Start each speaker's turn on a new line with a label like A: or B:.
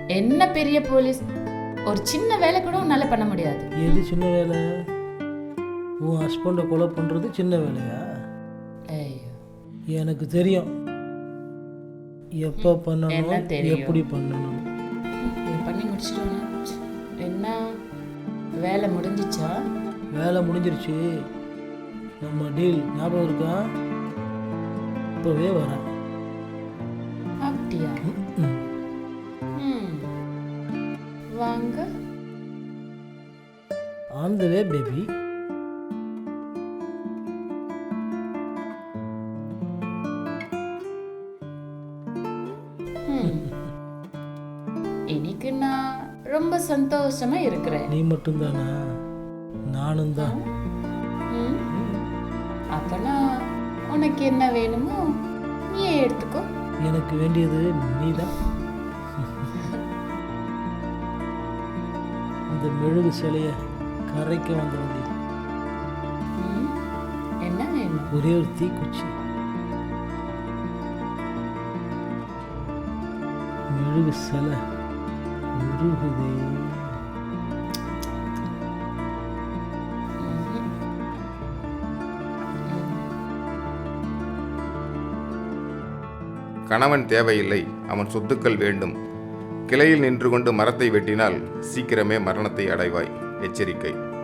A: என்ன பெரிய போலீஸ், ஒரு சின்ன வேலை கூட உன்னால பண்ண முடியாது.
B: எது சின்ன வேலை? உன் ஹஸ்பண்டை கொலை பண்ணுறது சின்ன வேலையா?
A: ஐயோ,
B: எனக்கு தெரியும் எப்போ பண்ணணும்,
A: என்ன தெரியும்?
B: எப்படி பண்ணணும்.
A: இதை பண்ணி முடிச்சிட்டோன்னா என்ன வேலை முடிஞ்சிச்சா?
B: வேலை முடிஞ்சிருச்சு. நம்ம டீல் ஞாபகம் இருக்கா? இப்போவே வரேன்.
A: அப்படியா? வாங்க.
B: On the way baby.
A: இன்னைக்கு நான் ரொம்ப சந்தோஷமா இருக்கிறேன்.
B: நீ மட்டும்தானா? நானும் தான்.
A: அப்பனா உனக்கு என்ன வேணுமோ நீயே எடுத்துக்கோ.
B: எனக்கு வேண்டியது நீதான். இந்த மெழுகு சிலைய கரைக்க வந்த வண்டி.
A: என்ன வேணும்?
B: ஒரே ஒரு தீக்குச்சி. மெழுகு சிலை உருகுதே.
C: கணவன் தேவையில்லை, அவன் சொத்துக்கள் வேண்டும். கிளையில் நின்று கொண்டு மரத்தை வெட்டினால் சீக்கிரமே மரணத்தை அடைவாய். எச்சரிக்கை.